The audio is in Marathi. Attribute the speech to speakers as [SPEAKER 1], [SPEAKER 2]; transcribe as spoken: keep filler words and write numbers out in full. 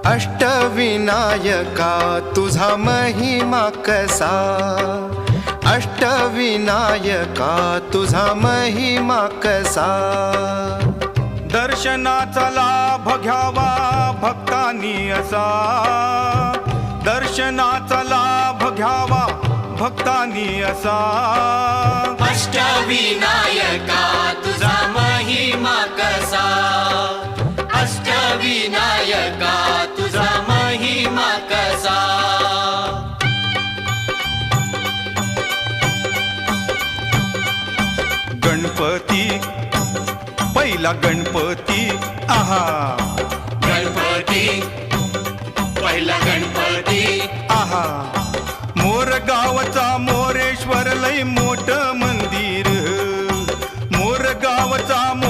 [SPEAKER 1] अष्टविनायका तुझा महिमा कसा, अष्टविनायका तुझा महिमा कसा।
[SPEAKER 2] दर्शनाचा लाभ घ्यावा भक्तांनी असा, दर्शनाचा लाभ घ्यावा भक्तांनी असा।
[SPEAKER 3] अष्टविनायका तुझा महिमा कसा, अष्टविनायका तुझा महिमा कसा।
[SPEAKER 2] गणपती पहिला गणपती आहा,
[SPEAKER 3] गणपती पहिला गणपती
[SPEAKER 2] आहा। मोर गावचा मोरेश्वर लय मोठ मंदिर, मोर गावचा